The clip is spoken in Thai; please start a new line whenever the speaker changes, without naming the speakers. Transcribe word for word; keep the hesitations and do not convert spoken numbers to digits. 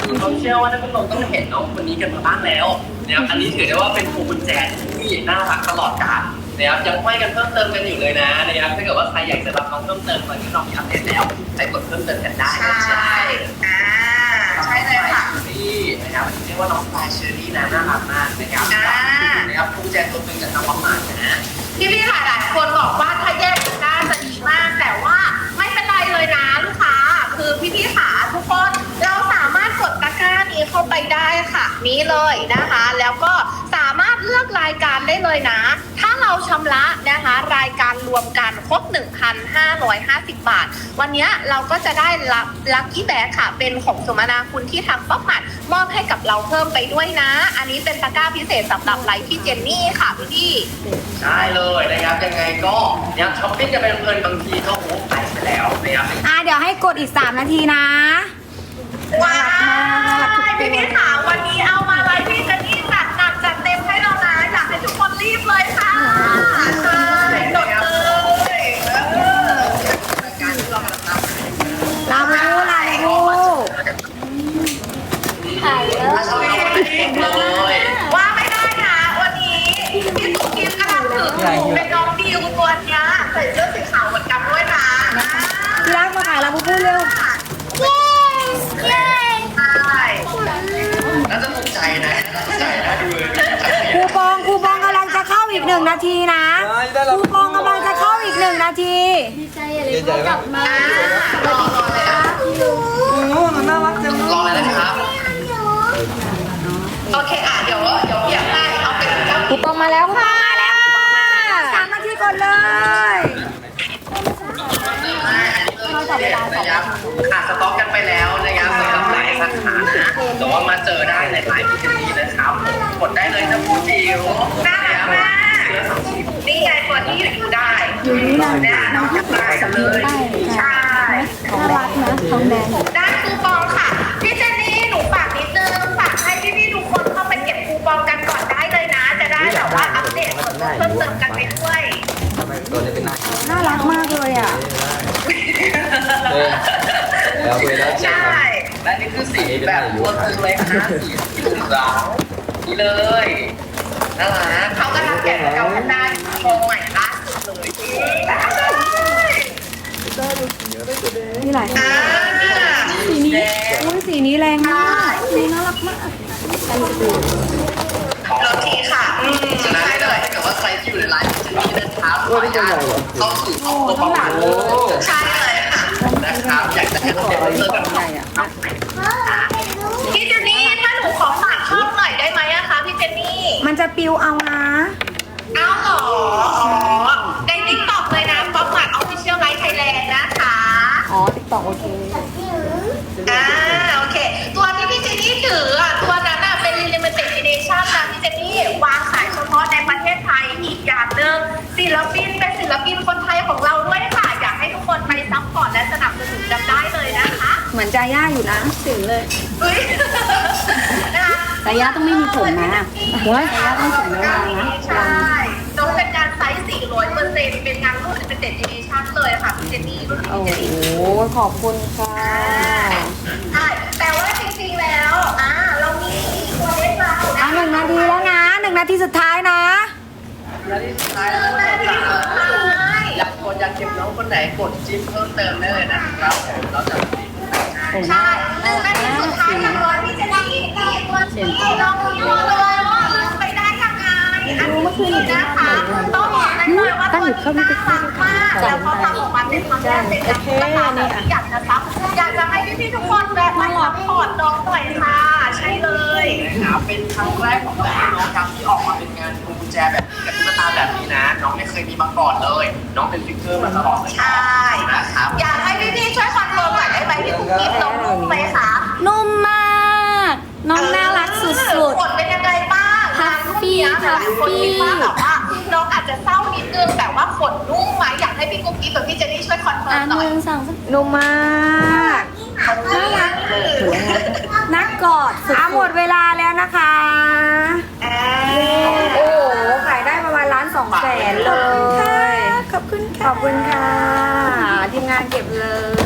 คือเขาเชื่อว่าท่านผู้ชมต้องเห็นน้องคนนี้กันมาบ้างแล้วนะครับอันนี้ถือได้ว่าเป็นพวงกุญแจที่น่ารักตลอดกาลนะครับยังห้อยกันเพิ่มเติมกันอยู่เลยนะนะครับถ้าเกิดว่าใครอยากจะรับน้องเพิ่มเติมตอนนี้น้องมีอัปเดตแล้วใส่กดเพิ่มเติมกันได้
ใช่อ่าใช่เลยค่ะ
นี่นะครับเรียกว่าน้องปลายเชอรี่นะน่ารักมากนะครับนะครับพวงกุญแจตัวหนึ่งจากทางวัดหมากนะ
พี่พี่ค่ะหลายคนบอกว่าถ้าแยกกันได้จะดีมากแต่ว่าไม่เป็นไรเลยนะลูกค้าคือพี่พี่ค่ะทุกคนเราสามารถกดตะกร้านี้เข้าไปได้ค่ะนี้เลยนะคะแล้วก็สามารถเลือกรายการได้เลยนะถ้าเราชำระนะคะรายการรวมกันครบ หนึ่งพันห้าร้อยห้าสิบ บาทวันนี้เราก็จะได้รับลัคกี้แบกค่ะเป็นของสมนาคุณที่ทางป๊อปมัดมอบให้กับเราเพิ่มไปด้วยนะอันนี้เป็นตะกร้าพิเศษสำหรับไลฟ์พี่เจนนี่ค่ะพี่พี่
ใช่เลยนะครับยังไงก็เนี่ยช้อปปิ้งกันเป็นเพลินบางทีก็โอ้ไปไปแล้วนะครับ
อ่ะเดี๋ยวให้กดอีกสามนาทีนะ
ว้าวพี่พี่ค่ะวันนี้เอามาไลฟ์พี่เจนนี่จัดหนักจัดเต็มให้เรานะอยากให้ทุกคนรีบเลยค่ะใช่จดเลยเออ
การที่เราทำ
ลาบูลาบู
ถ่ายเลยเลย
ว่าไม่ได้นะวันนี้พี่ตุ๊กกิ๊ฟกำลังถือเป็นน้องดิวตัวเนี้ยใส่เสื้อสีขาวเหมือนกันด้วยนะ
พี่รักมาขายลาบูพูดเร็ว
เย้เย้ใช่
น่าจะภูมิใจนะภูมิใจนะดู
คูปองคูปองกำลังจะเข้าอีกหนึ่งนาทีนะคูปองกำลังจะเข้าอีกหนึ่งนาที
ดีใจเลยเขากลับมา
รอเลยนะ
น่ารักจัง
รอเลยนะครับ
โอเคอ่ะเดี๋ยวเดี๋ยวเพียงให้เอาเป็นเจ้า
คูปองมาแล้วค่ะมาแล้วสามนาทีก่อนเลย
เขาจับเวลานะครับขาดสต็อกกันไปแล้วนะครับสำหรับหลายสาขานะแต่ว่ามาเจอได้ในหลายพิธีนะครับกดได้เลยนะผู้จิ๋ว
น่ารักมากนี่ไงตัวที่อยู่ได้อยู่นี่นะน้องจับได้เลยใช่
น่ารักนะทองแดง
ได้คูปองค่ะพี่เจนนี่หนูฝากนิดนึงฝากให้พี่ๆทุกคนเข้าไปเก็บคูปองกันก่อนได้เลยนะ จะได้แบบว่าอัปเดตส่วนลดเพิ่มเติมกันไปด้วย
น่ารักมากเลยอ่ะ
แล้วเวลา
ใช่
และนี่คือสีแบบตัวตึงเลยนะสีที่หลุมราวนี่เลยน่ารัก
เขากำลังแกะเกากันได้โชว์ใหม่ล่าสุดเลย
มีหลาย
อ่า
สีนี้อุ้ยสีนี้แรงมากสีน่ารักมาก
โรตีค่ะอืม
ฉะนั้น
ใช่
ถ้า
เลย
เกิดว่าใครที่อยู่ในไลฟ์จะมีเดินเท้าขออนุญาตเข้าสู่ช่องตัวประมาณ
ใช่เลยค่ะ
นะครับอยากจะให้เราเดินเลิกกัน
พี่เจนนี่ถ้าหนูขอฝากช่องหน่อยได้ไหมอะคะพี่เจนนี่
มันจะปิวเอานะ
เอาเหรออ๋อในติ๊กต็อกเลยนะป๊อปมาร์ทออฟฟิเชียลไลฟ์ไทยแลนด์นะคะ
อ๋อติ๊กต็อกโอเค
อ่าโอเค ตัวที่พี่เจนนี่ถืออ่ะตัวนั้นอ่ะเป็น limited edition นะพี่เจนนี่วางขายเฉพาะในประเทศไทยอีกอย่างหนึ่งศิลปินเป็นศิลปินคนไทยของเราด้วยค่ะอยากให้ทุกคนไปซัพพอร์ตและสนับสนุนกันได้เลยนะคะ
เหมือนจาย่าอยู่นะถึงเลย
อุ้ยนะคะ
จาย่าต้องไม่มีผมนะโอ้ยจาย่าต้องผมยาวนะ
ใช่ต้องเป็นงานไซส์สี่ร้อยเปอร์เซ็นต์เป็นงานรุ่น limited edition เลยค่ะพี่เจนนี่รุ่น
โอ้
limited
โห
edition
ขอบคุณค่ะ
ใช่แต่ว่าจริงๆแล้วอ่าเรามีตัวเล็กเรา
อ่ะหนึ่งนาทีแล้วนะหนึ่งนาทีสุดท้ายนะ
และที่สุดท้ายแล้วนะครับอยากกดอยากเก็บน้องคนไหนกดจิ้มเพิ่มเติมได้เลยนะครับผมเราจะมี
ใช่หนึ่งนาทีสุดท้ายอย่างร้อยพี่จะได้ยินดีตัวที่น้องรู้เลยว่าลืมไปได้ยังไงอันนี้นะคะต้องบอกได้เลยว่าตัวนี้น่ารักมากแล้วเขาทำออกมาเป็นครั้งแรกเป็นครั้งแรกแบบที่อยากจะซับอยากจะให้พี่ๆทุกคนแบบมาซัพพอร์ตน้องหน่อยค่ะใช่เลย
นะครับเป็นครั้งแรกของน้องนะครับที่ออกมาเป็นงานพวงกุญแจแบบนี้กับตุ๊กตาแบบนี้นะ น้องไม่เคยมีมาก่อนเลย น้องเป็นฟิกเกอร์มาตลอดเลย
ใช่
นะครับ
อยากให้พี่ๆช่วยคอนเฟิร์มหน่อยได้ไหมพี่กุ๊กกิ๊บน้องนุ่มไหมคะ
นุ่มมาก น้องน่ารักสุด
ผลเป็นยังไงบ้าง
ฮัฟฟี่
หลายคนคิดว่าแบบว่าน้องอาจจะเศร้านิดนึงแต่ว่าขนนุ่มไหมอยากให้พี่กุ๊กกิ๊บกับพี่เจนนี่ช่วยคอนเฟิ
ๆ
ร์
อ่ะ
ม
ห
หน่อย
นึ่งสองสามนุ่มมากน่ารักนักกอดสุดๆหมดเวลาแล้วนะคะ
อ่า
โอ้โหขายได้ประมาณล้านสองแสนเลย ขอบคุณค่ะ ขอบคุณค่ะ ทีมงานเก็บเลย